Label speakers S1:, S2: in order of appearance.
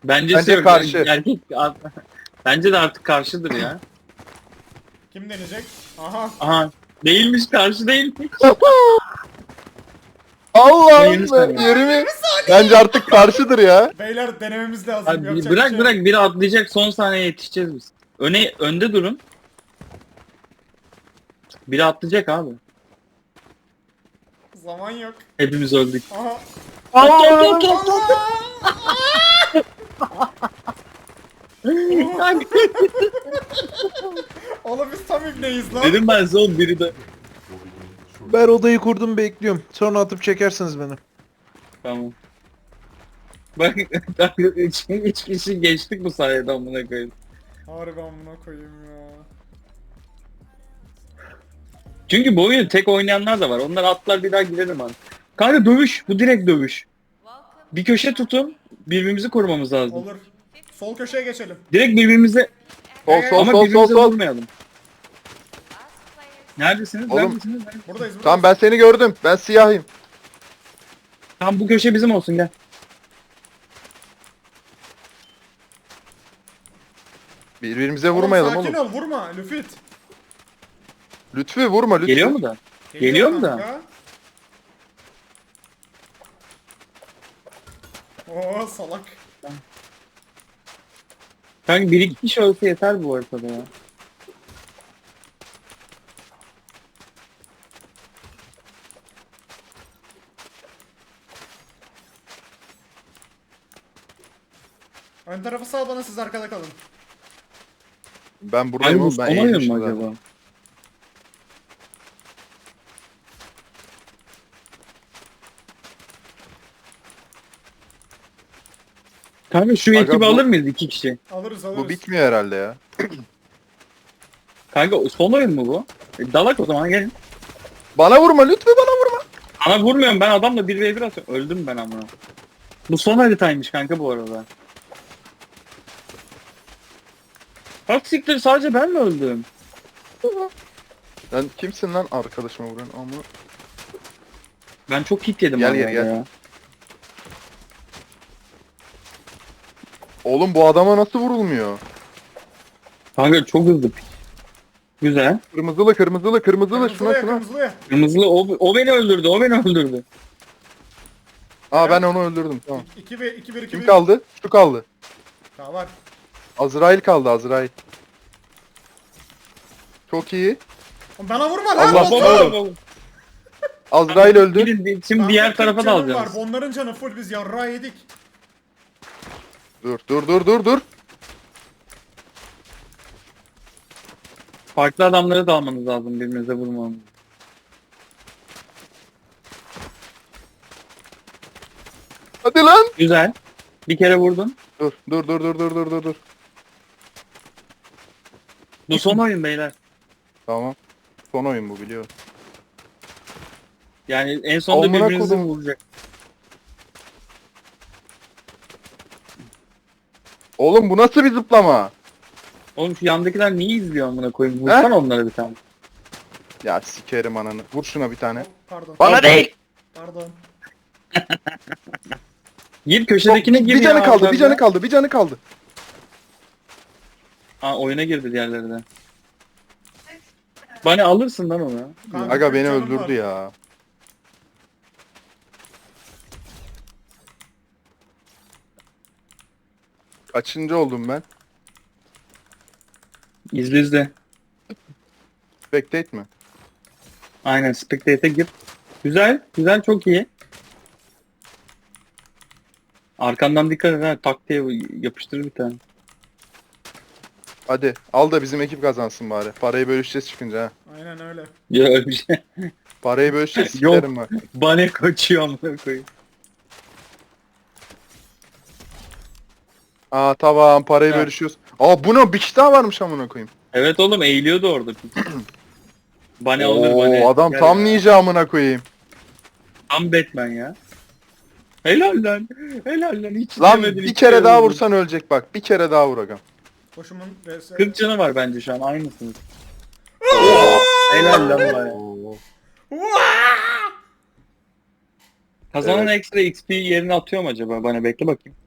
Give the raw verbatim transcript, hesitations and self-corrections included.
S1: Bence,
S2: Bence
S1: şey-
S2: karşı.
S1: Erkek, bence de artık karşıdır ya.
S3: Kim deneyecek? Aha.
S1: Aha. Değilmiş, karşı değilmiş.
S2: Allah'ım
S1: Yirmi saniye.
S2: be yirmi. Bence artık karşıdır ya.
S3: Beyler denememiz lazım.
S1: Abi,
S3: Yapacak
S1: bırak
S3: bir şey
S1: bırak
S3: yok.
S1: biri atlayacak, son saniye yetişeceğiz biz. Öne önde durun. Biri atlayacak abi.
S3: Zaman yok.
S1: Hepimiz öldük.
S3: Aha.
S1: Atla atla atla atla. Kanka,
S3: Oğlum biz tam ibneyiz lan.
S1: dedim ben son biri de.
S2: Ben odayı kurdum bekliyorum. Sonra atıp çekersiniz beni.
S1: Tamam. Bak kanka, üç, üç kişi geçtik bu sayede amına koyayım.
S3: Harbi amına koyayım ya.
S1: Çünkü bu oyunu tek oynayanlar da var. Onlar atlar bir daha girelim abi. Kanka dövüş. Bu direkt dövüş. Bir köşe tutun. Birbirimizi korumamız lazım.
S3: Olur. Sol köşeye geçelim.
S1: Direkt birbirimize
S2: Sol sol
S1: ama
S2: sol sol
S1: birbirimize
S2: sol.
S1: vurmayalım. Neredesiniz?
S2: Oğlum.
S1: Neredesiniz? Neredesiniz?
S3: Buradayız buradayız.
S2: Tamam ben seni gördüm. Ben siyahıyım.
S1: Tamam bu köşe bizim olsun gel.
S2: Birbirimize
S3: Oğlum,
S2: vurmayalım
S3: sakin
S2: oğlum.
S3: ol vurma Lüfit.
S2: Lütfü vurma lütfü.
S1: Geliyor mu da? Geliyor mu da?
S3: kanka. Oo salak.
S1: Kanka bir iki kişi olsa yeter bu haritada ya.
S3: Ön tarafı sağ bana siz arkada kalın.
S2: Ben buradayım
S1: Kanka bu
S2: oğlum.
S1: son
S2: Ben
S1: oyun
S2: eğilmişim
S1: mu
S2: zaten.
S1: acaba? Kanka şu
S2: Aga
S1: ekibi
S2: bu-
S1: alır mıyız iki kişi?
S3: Alırız alırız.
S2: Bu bitmiyor herhalde ya.
S1: Kanka son oyun mu bu? E, dalak o zaman gelin.
S2: Bana vurma lütfü bana vurma.
S1: Ana vurmuyorum, ben adamla bir ve bir atıyorum. Öldüm ben ama. Bu son haritaymış kanka bu arada. Bak siktir, sadece ben mi öldüm?
S2: Sen kimsin lan arkadaşıma vuran ama.
S1: Ben çok hit yedim
S2: Gel
S1: arada
S2: gel, gel.
S1: ya.
S2: Oğlum bu adama nasıl vurulmuyor?
S1: Kanka çok hızlı. Güzel.
S2: Kırmızılı kırmızılı kırmızılı şuna
S3: Kırmızılıya
S2: şuna.
S3: kırmızılıya.
S1: Kırmızılı o, o beni öldürdü, o beni öldürdü.
S2: Aa ben onu öldürdüm tamam.
S3: iki bir iki bir iki
S2: Kim
S3: bir.
S2: kaldı? Şu kaldı.
S3: Daha var.
S2: Azrail kaldı Azrail. Çok iyi.
S3: Oğlum bana vurma lan.
S2: Allah
S3: Batu!
S2: Allah.
S1: oğlum.
S2: Azrail öldü.
S1: Gidin, Şimdi
S3: Kanka,
S1: diğer
S3: kırk
S1: tarafa da
S3: canım
S1: alacağız.
S3: Var. Onların canı full biz yarrağı yedik.
S2: Dur dur dur dur dur.
S1: Farklı adamları da almanız lazım, birbirinize vurmamız.
S2: Hadi lan.
S1: Güzel. Bir kere vurdun.
S2: Dur dur dur dur dur dur dur dur.
S1: Bu son oyun beyler.
S2: Tamam. Son oyun bu biliyorum.
S1: Yani en sonunda
S2: Amına
S1: birbirinizi
S2: kodum.
S1: vuracak.
S2: Oğlum bu nasıl bir zıplama?
S1: Oğlum şu yandakiler niye izliyor amına koyayım? Vursana onlara bir tane.
S2: Ya sikerim ananı. Vur şuna bir tane.
S3: Pardon.
S2: Bana değil.
S3: Pardon.
S1: Gir köşedekine gir
S2: Bir
S1: ya.
S2: canı kaldı, bir
S1: abi.
S2: canı kaldı, bir canı kaldı.
S1: Ha, oyuna girdi diğerleri de. Bana alırsın lan onu.
S3: Kanka,
S2: Aga
S3: kırk
S2: beni
S3: canım
S2: öldürdü
S3: var.
S2: ya. Kaçıncı oldum ben?
S1: İzle izle.
S2: Spectate mi?
S1: Aynen, spectate'e gir. Güzel, güzel, çok iyi. Arkandan dikkat et ha, tak diye yapıştır bir tane.
S2: Hadi al da bizim ekip kazansın bari. Parayı bölüşeceğiz çıkınca ha.
S3: Aynen öyle.
S1: Ya öyle bir şey.
S2: Parayı bölüşeceğiz
S1: Yok.
S2: sikerim bak.
S1: Bana kaçıyor amına koyayım.
S2: Aa tamam parayı
S1: Ha.
S2: bölüşüyoruz. Aa bu ne? Bir kişi daha varmış amına koyayım.
S1: Evet oğlum, eğiliyordu orada. Bana olur bana.
S2: Oo adam
S1: Gel
S2: tam
S1: ya.
S2: ninja amına koyayım.
S1: Tam Batman ya. Helal lan. Helal lan. Hiç
S2: Lan
S1: yemedin,
S2: bir
S1: hiç
S2: kere daha
S1: yemedin.
S2: vursan ölecek bak. Bir kere daha vur agam.
S3: Koşumun vs.
S1: kırk canı var bence şu an, aynısınız. Helal lan bana.
S2: Oo.
S1: Kazanan
S2: Evet.
S1: ekstra X P yerine atıyor mu acaba? Bana bekle bakayım.